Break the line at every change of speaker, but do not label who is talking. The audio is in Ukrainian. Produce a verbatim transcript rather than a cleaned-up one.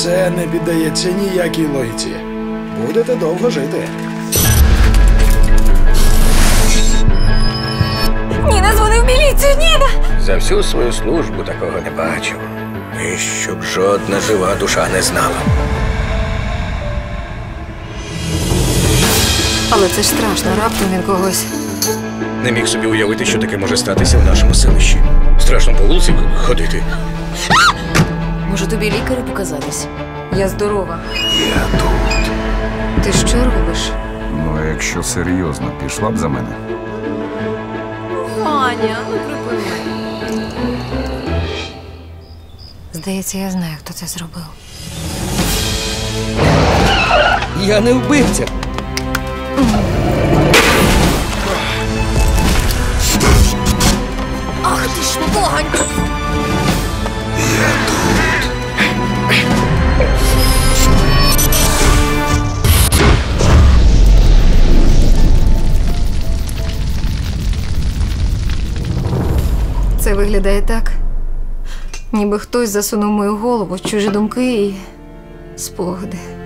Це не піддається ніякій логіці. Будете довго жити.
Ніна дзвонив в міліцію, Ніна!
За всю свою службу такого не бачив. І щоб жодна жива душа не знала.
Але це ж страшно, раптом він когось.
Не міг собі уявити, що таке може статися в нашому селищі. Страшно по вулиці ходити.
Може, тобі лікарю показатись? Я здорова.
Я тут.
Ти що робиш?
Ну, а якщо серйозно, пішла б за мене?
Ваня, ну припини. Здається, я знаю, хто це зробив.
Я не вбивця.
Ах ти ж погань!
Я тут.
Це виглядає так, ніби хтось засунув мою голову в чужі думки і спогади.